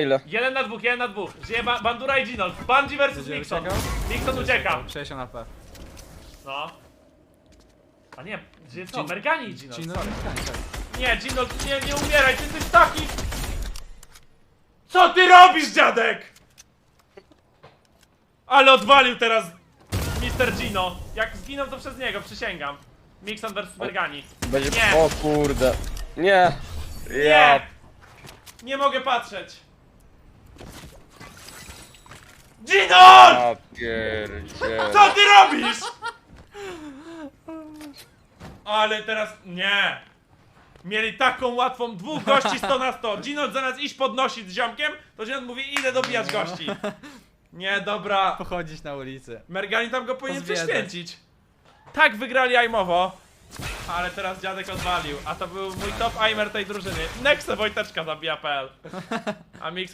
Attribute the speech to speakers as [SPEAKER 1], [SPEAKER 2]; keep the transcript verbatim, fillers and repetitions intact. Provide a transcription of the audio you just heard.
[SPEAKER 1] ile?
[SPEAKER 2] Jeden na dwóch, jeden na dwóch. Żyje ba Bandura i Ginol. Bandzi versus
[SPEAKER 3] Będzie
[SPEAKER 2] Mixon.
[SPEAKER 3] uciekał?
[SPEAKER 2] Mixon ucieka.
[SPEAKER 3] sześćdziesiąt A P.
[SPEAKER 2] No. A nie, żyje co?
[SPEAKER 3] Gin-
[SPEAKER 2] Mergani i Ginol.
[SPEAKER 3] Gino,
[SPEAKER 2] sorry.
[SPEAKER 3] tak.
[SPEAKER 2] Nie, Ginol, nie, nie umieraj, ty jesteś taki... Co ty robisz, dziadek? Ale odwalił teraz mister Gino. Jak zginął, to przez niego, przysięgam. Mixon versus Mergani.
[SPEAKER 1] Będzie...
[SPEAKER 2] Nie.
[SPEAKER 1] O kurde. Nie.
[SPEAKER 2] Nie!
[SPEAKER 1] Ja.
[SPEAKER 2] Nie mogę patrzeć. Ginol!
[SPEAKER 1] Ja pierdzielę.
[SPEAKER 2] Co ty robisz? Ale teraz... Nie. Mieli taką łatwą, dwóch gości sto na sto. Ginol zamiast iść podnosić z ziomkiem, to Ginol mówi, idę dobijać gości. Nie, dobra.
[SPEAKER 3] Pochodzić na ulicy.
[SPEAKER 2] Mergani tam go powinien
[SPEAKER 3] Pozwiedzać.
[SPEAKER 2] prześwięcić. Tak wygrali aimowo. Ale teraz dziadek odwalił. A to był mój top aimer tej drużyny. Nexe Wojteczka zabija kropka pe el. A Mix